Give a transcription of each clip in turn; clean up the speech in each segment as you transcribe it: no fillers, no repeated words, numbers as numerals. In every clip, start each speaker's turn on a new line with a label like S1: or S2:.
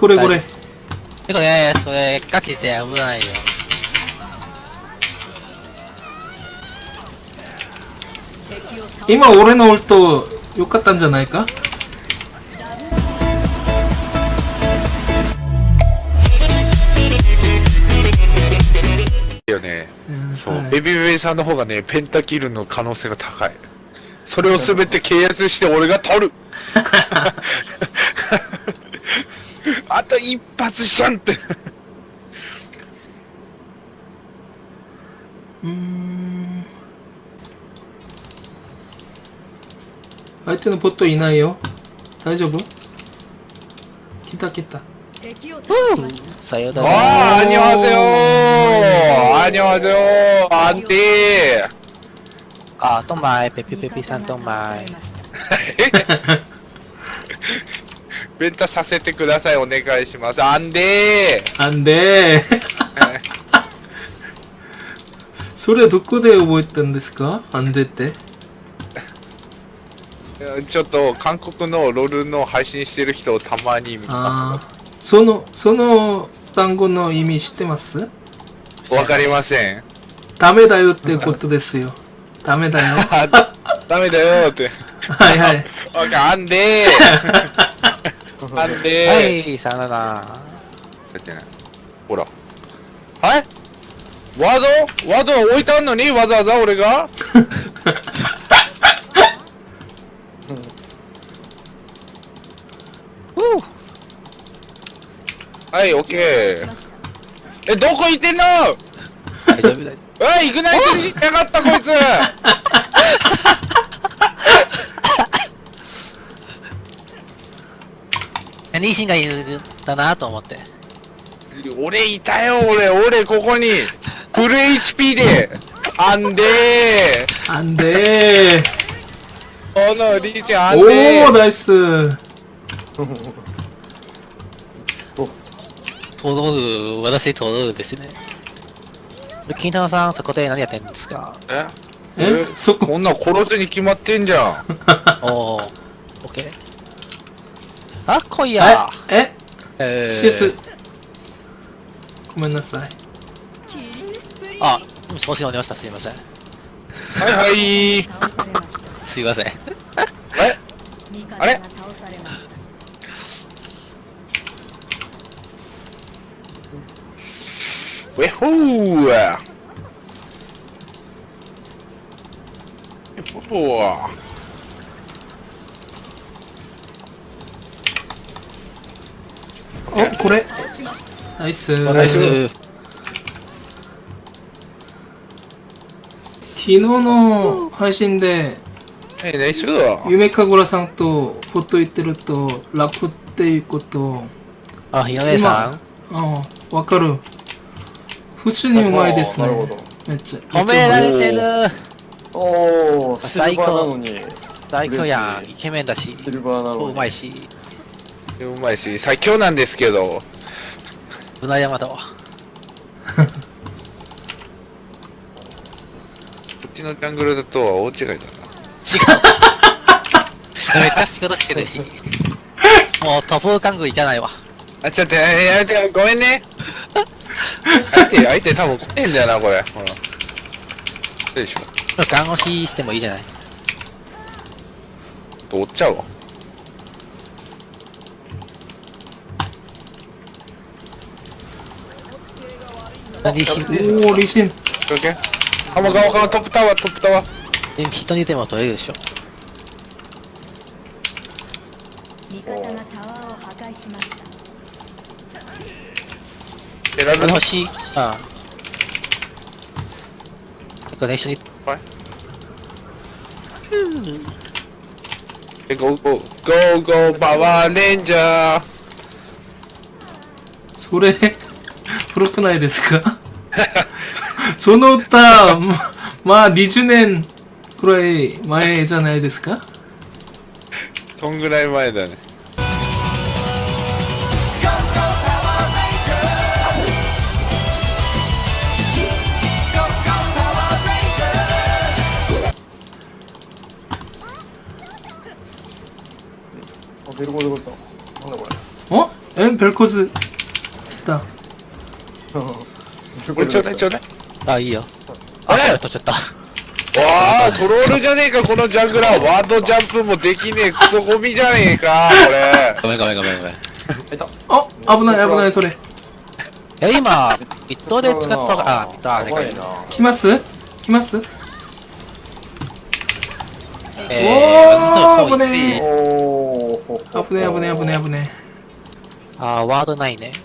S1: これこれ。
S2: てかね、それガチで危ないよ。
S1: 今俺のウルト良かったんじゃないか。
S3: よね。そう、
S1: はい
S3: ベビーベイさんの方がね、ペンタキルの可能性が高い。それを全て契約して俺が取るあと一発じゃんって
S1: 相手のポットいないよ。大丈夫？来た来た。
S2: さよなら。
S3: あー、アニョハセヨー、アニョハセヨー、安定。
S2: あ、トンマイ、ペピペピさんトンマイ。
S3: ベンタさせてください、お願いします。安定。
S1: あんでそれはどこで覚えたんですか？あんでって。
S3: ちょっと韓国のロールの配信してる人をたまに見ま
S1: ああ、その単語の意味知ってます？
S3: す。わかりません。
S1: ダメだよってことですよ。ダメだよ。
S3: あ、ダメだよって。
S1: はいはい。
S3: オッケー、安定。安定。
S2: はい、さよなら。
S3: やってない。ほら。はいワード置いてあんのにわざわざ俺がはい、オッケー。え、どこ行ってんの
S2: 大丈夫だよ。
S3: おい、イグナイトしやがったこいつ
S2: ニーシンがいるんだなと思って。
S3: 俺いたよ、俺ここにフル HP であんで
S1: あんで
S3: このリーチあ
S1: ー。
S3: んで
S1: おー、ナイス。
S2: トロール、私トロールですね。金太郎さん、そこで何やってんですか？
S1: え、そこ。
S3: こんなん殺すに決まってんじゃん。
S2: おー、オッケー。あ、来いや。
S1: CS。ごめんなさい。
S2: あ、少し乗りました。すいません。
S3: はいはい。
S2: すいません。
S3: あれウェホーウェホー
S1: お、これ。ナイス。
S3: ナイス。
S1: 昨日の配信で、
S3: はい、ナイスだ。
S1: 夢かごらさんとフォト言ってると、ラップっていうこと
S2: あ、ひよねさん。
S1: ああ、わかる。普通にうまいですね。めっちゃ。
S2: 褒められてる。
S4: おー、シルバーなのに。
S2: 最強やん。イケメンだし。
S4: シルバーなのに。
S2: うまいし。
S3: うまいし、最強なんですけど。
S2: うな山だわ。
S3: こっちのジャングルだとは大違いだな。
S2: 違う。めっちゃ仕事してるし。もうトップカングいかないわ。
S3: あ、ちょっとやめて、ごめんね。相手多分来ねえんだよな、これ。ほら。どうでしょ
S2: 看護師してもいいじゃない。
S3: 追っちゃうわ。
S2: 何し、
S1: おー、リシン。
S3: オッケー。浜川からトップタワー。
S2: 人にでも取れるでしょ。
S5: 味方がタワーを破壊しました。
S3: 選ぶ
S2: 欲しい。ああ。これ一緒に。
S3: ゴーパワーレンジャー。
S1: それ、古くないですか？その歌、まあ20年くらい前じゃないですか？
S3: そんぐらい前だね。
S4: あ、ベルコでこと。なんだこれ。
S1: おえ、 별코스 있다.
S3: これちょうだいちょうだい。
S2: あ、いいよ。あ、取っちゃった。
S3: わあ、トロールじゃねえか、このジャングラー。ワードジャンプもできねえ、クソゴミじゃねえか、これ。
S2: ごめんごめんごめんごめん。
S1: あ、危ない危ないそれ。
S2: 今、ミッドで使ったから、ミッドあれかい。
S4: やばいな。
S1: 来ます来ます
S2: 私
S1: おー
S2: と
S1: 危ね
S4: おお。
S1: 危ねえ危ねえ危ねえ危ね
S2: あー、ワードないね。
S1: え。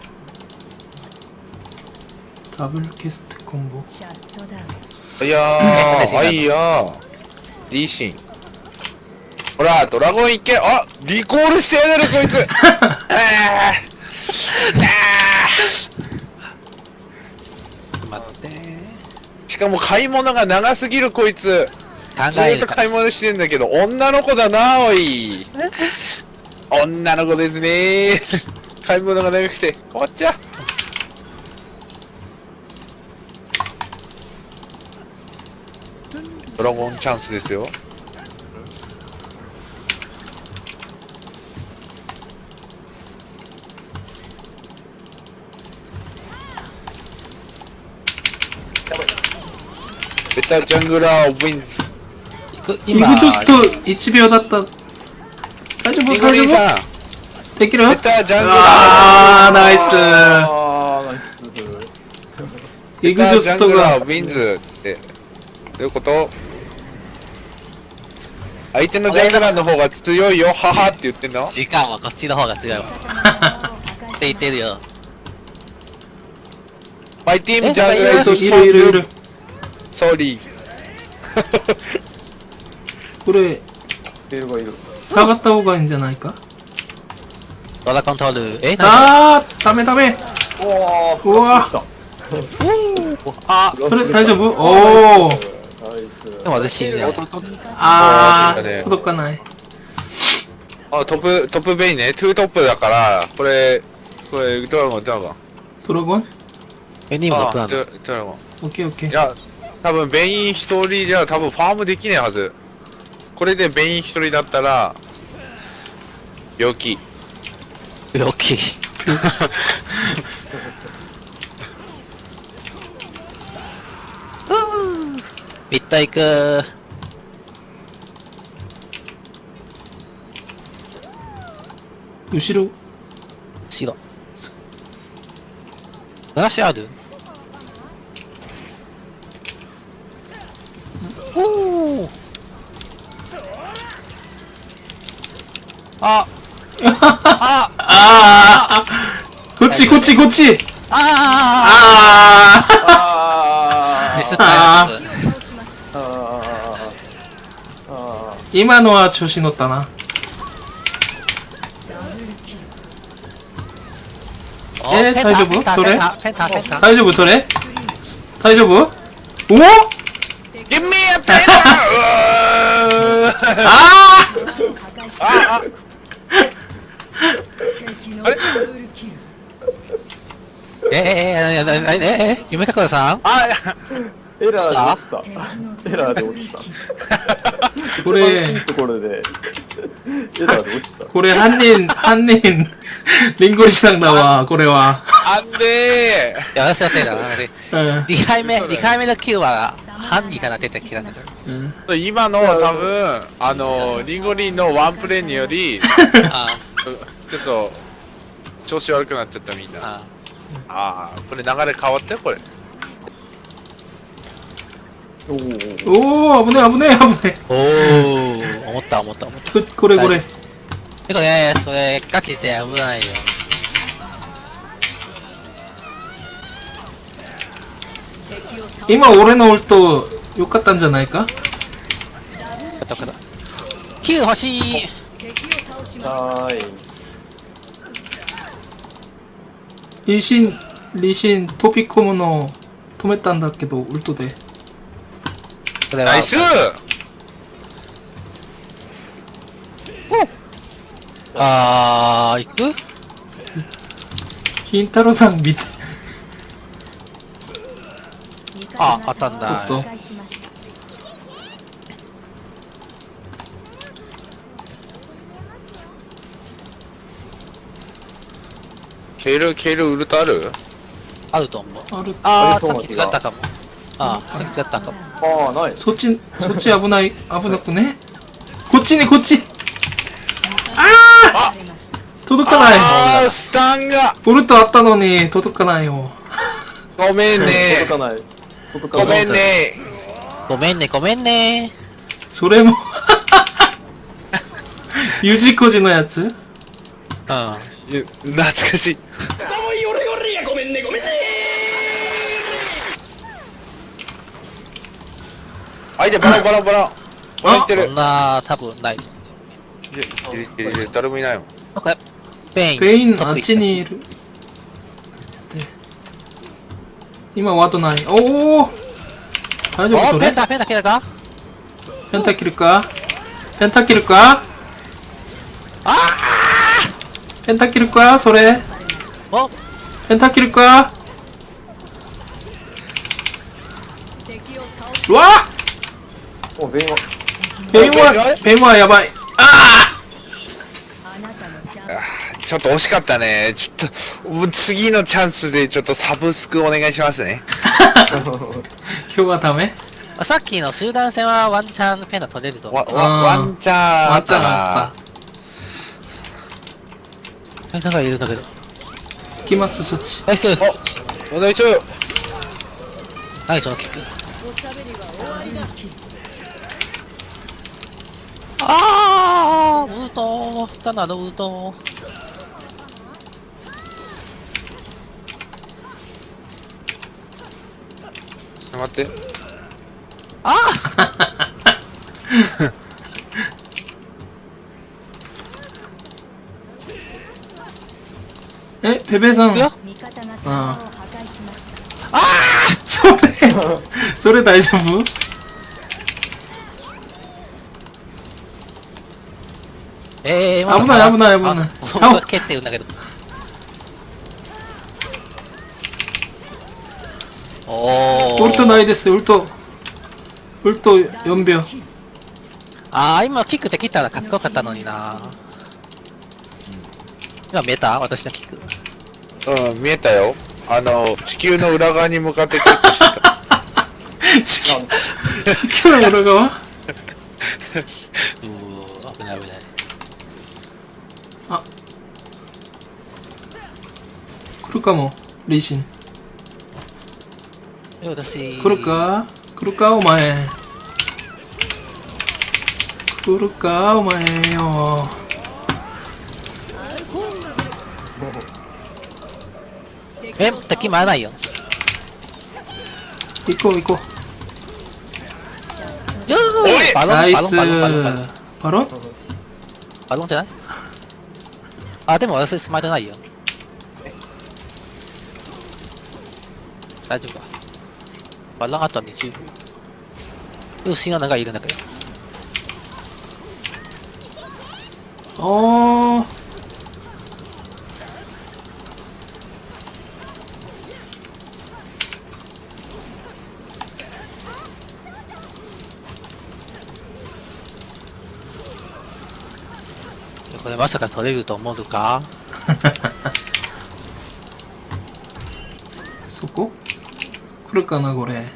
S1: ダブルケストコンボ。
S5: シャットダウン
S3: いやー、はいやー。リーシン。ほら、ドラゴンいけ。あ、リコールしてやがる、こいつ。
S2: 待って。
S3: しかも買い物が長すぎる、こいつ。
S2: 考
S3: ずーっと
S2: えるか
S3: 買い物してんだけど、女の子だな、おい。女の子ですね。買い物が長くて困っちゃう。ドラゴンチャンスですよ。ベタジャングラーウィンズ。
S1: イグゾスト1秒だった。大丈夫
S3: イグ
S1: 大丈
S3: リーさん、
S1: 夫できる
S3: ベタジャングラー。
S1: あーナイス
S4: あー、ナイス。
S1: イグゾストが
S3: ジャングラーウィンズってどういうこと？相手のジャングラーの方が強いよ、ははって言ってんの？
S2: 時間はこっちの方が強いわ。って言ってるよ。
S3: マイティームジャングラー
S1: いるいるいる。
S3: ソーリー。
S1: これ
S4: いるがいる。
S1: 下がった方がいいんじゃないか。
S2: ドラコントール。え、
S1: あーダメダメ。
S4: おー、
S1: うわ
S4: 来た。
S2: あ、
S1: それ大丈夫？おお。
S4: ナイス。
S2: でも私死んでない。
S1: あ
S3: そうだね
S1: ー届かない。
S3: あ、トップベイね。トゥートップだから、これ、ドラゴン。
S1: ドラゴン
S2: エニームの
S3: あ、
S2: プランだ。
S3: ドラゴン。
S1: オッケーオッケー。
S3: いや、多分ベイン一人じゃ多分ファームできねえはず。これでベイン一人だったら、病気。
S2: 大きい。ミッド行く。
S1: 後ろ
S2: 白。話ある？おお。あ。あ。
S1: あーこっちこっちこっち
S2: あ
S1: あ
S2: あ。ミスった
S1: あ
S2: やつ。
S1: ー今のは調子乗ったな。大丈夫それ
S2: ペンタ。
S1: 大丈夫それ大丈夫おお
S3: ギミアペン
S1: あ
S5: 敵のダブルキル
S2: 夢かくらさん
S3: あ、
S4: エラーで落ちた。
S5: 敵の
S4: エラーで落ちた。
S1: これ
S4: 一番いいところでエラーで落ちた。
S1: これ犯人リンゴリさんだわこれは。
S3: あんで
S2: いや、私はせいだな。
S1: うん
S2: 2回目のキルは、ハンディから出てきたんだけど。
S1: うん
S3: 今の多分リンゴリンのワンプレーにより
S2: あ
S3: ちょっと調子悪くなっちゃったみんな。
S2: あ。
S3: ああ、これ流れ変わったよこれ。
S4: おお。
S1: おお危ね危ね危ね
S2: おー、思った。
S1: これこれ
S2: てかね、それ、ガチで危ないよ。
S1: 今俺のオルト良かったんじゃないか。
S2: どこだ。キル欲しい。
S5: 敵を倒しま
S4: はーい。
S1: リシン飛び込むの止めたんだけどウルトで。
S2: これは
S3: ナイス。
S2: あー、行く？
S1: 金太郎さん見て。
S2: あ、当たんだ。
S1: ちょっと
S5: 破壊しました
S3: ケールウルトある？
S2: あると思う。
S1: ある。
S2: ああ、
S4: そう
S2: さっき違ったかも。ああ、さっき違ったかも。
S4: ああ、ない。
S1: そっち危ない、危なくね。こっちね、こっち。届かない。
S3: あー、スタンが
S1: ウルトあったのに、届かないよ。
S3: ごめんね
S4: 届かない。届か
S3: ご
S4: ない。
S3: めんね
S2: ごめんね、ごめんね。
S1: それも、ゆじこじのやつ。
S2: うん。
S3: いや懐かしい相手バランバランバランバランいってる
S2: そんな、多分ないと。
S3: いや誰もいないもん
S2: なんか、ペイン。
S1: ペイン
S2: 得意
S1: あっちにいる。で今ワードない。おお。大丈夫
S2: お
S1: それ？
S2: ペンタ来たか
S1: ペンタキルか？ペンタキルか？ペンタキルか？それ？
S2: お
S1: ペンタキルか？うわ
S4: お、弁は。
S1: ペンはやばい。あ
S5: あなたのジャンプ
S3: ちょっと惜しかったねちょっともう次のチャンスでちょっとサブスクお願いしますね
S1: あ今日はダメ？
S2: さっきの集団戦はワンチャンペンダ取れると思う。
S3: ワンチャンあ
S1: ワンチャン
S3: ったな
S1: あっ
S2: ペンダがいるんだけど。
S1: た。行きますそっち。
S2: ナイス
S3: お願いしよう
S2: ナイスのキック。あーウルトザナのウルト
S3: ちょっと待って
S1: え、ペペさん。
S2: いくよ
S5: 味方がタワーを破壊しました
S1: それ大丈夫？危ない危ない危ない
S2: 僕が蹴ってるんだけど。おー
S1: ウルトないです、ウルト4秒。
S2: あー今キックできたらかっこよかったのにな。今見えた私のキック。
S3: うん見えたよ地球の裏側に向かってキックしてた
S1: 地球の裏側？
S2: うー危ない危ない。
S1: 来るかも、リーシン。
S2: 私
S1: 来るかお前。来るかお前よ。
S2: 敵回らないよ。
S1: 行こう。
S2: よ
S3: おい
S2: ーバロン
S1: ナイス
S2: バロンバロンバロン
S1: バロン？
S2: バロンじゃない？あでも私スマイルないよ。大丈夫か。バロンあと20秒。シンアナがいるんだけど。
S1: おー。
S2: これまさか取れると思うのか？
S1: そこ？来るかなこれ。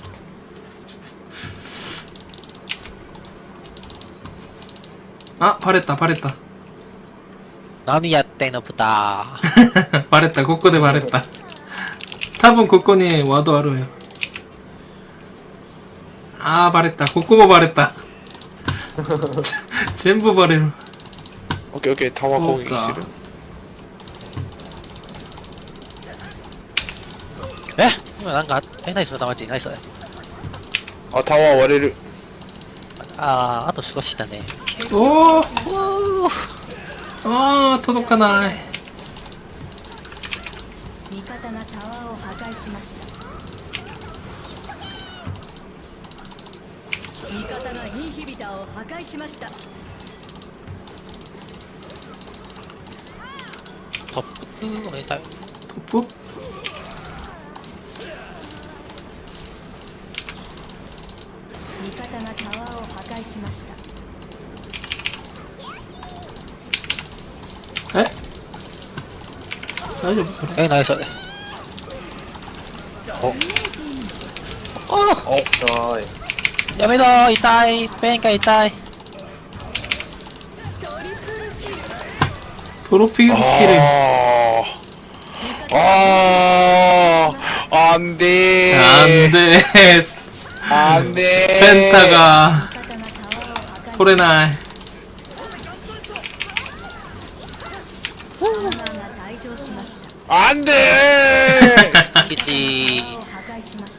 S1: あ、バレた。
S2: 何やってんの豚。
S1: バレた、ここでバレた。多分ここにワードあるよ。あー、バレた。ここもバレた。全部バレる。
S3: オッケーオッケータワー攻撃してる
S2: 今なんか何その玉地何それ。
S3: あタワー割れる
S2: あと少しだね。
S1: おー、
S2: おー
S1: あー、届かない。
S5: 味方がタワーを破壊しました味方がインヒビターを破壊しました
S2: トップおめでたい。
S1: トップ？
S5: 味方がタワーを破壊しました
S1: え？ 大丈夫それ。
S2: 何それ。あ
S4: はーい。
S2: あ、やめろ、痛い。ペンが痛い。
S1: トロピールキル。
S3: んでー
S1: なんでーす。
S3: なんでー
S1: ペンタが取れない。
S5: 退場しました
S3: なんでー
S2: 1。
S5: 破壊しました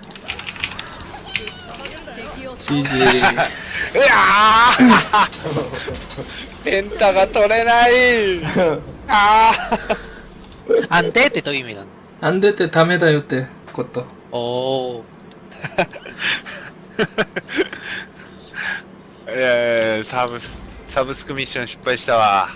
S1: GG。
S3: うわーペンタが取れないあ
S2: 安定ってどういう意味なの？
S1: なんでってダメだよってこと。
S2: おー。
S3: サブスクミッション失敗したわ。